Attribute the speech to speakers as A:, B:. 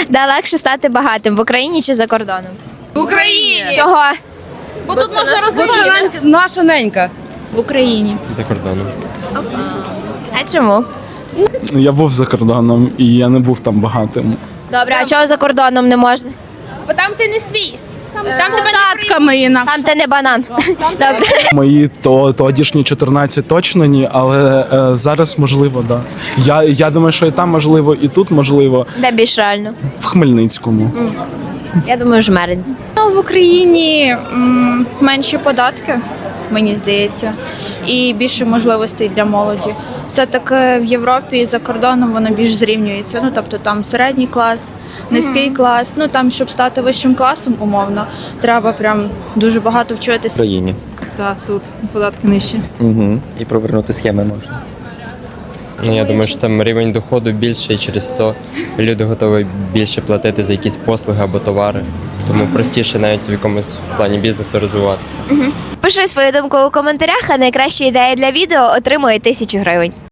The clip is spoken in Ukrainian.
A: Де легше стати багатим в Україні чи за кордоном?
B: В Україні!
A: Чого?
B: Бо тут можна розвивати. Наша ненька.
A: В Україні.
C: За кордоном.
A: А чому?
D: Я був за кордоном і я не був там багатим.
A: Добре, а чого за кордоном не можна?
B: Бо там ти не свій. Там тебе податками інакше.
A: Там ти не банан. Добре.
D: Мої тодішні 14 точно ні, але зараз можливо, да. Я думаю, що і там можливо, і тут можливо.
A: Де більш реально?
D: В Хмельницькому.
A: Я думаю, жмеринці.
E: В Україні менші податки, мені здається, і більше можливостей для молоді. Все-таки в Європі і за кордоном воно більш зрівнюється. Ну, тобто там середній клас, низький клас. Ну там, щоб стати вищим класом, умовно, треба прям дуже багато вчитися.
F: В країні.
B: Так, тут податки нижчі.
F: Угу. І провернути схеми можна.
C: Ну, я думаю, що там рівень доходу більший, через то люди готові більше платити за якісь послуги або товари. Тому простіше навіть в якомусь плані бізнесу розвиватися.
A: Пиши свою думку у коментарях, а найкраща ідея для відео отримує 1000 гривень.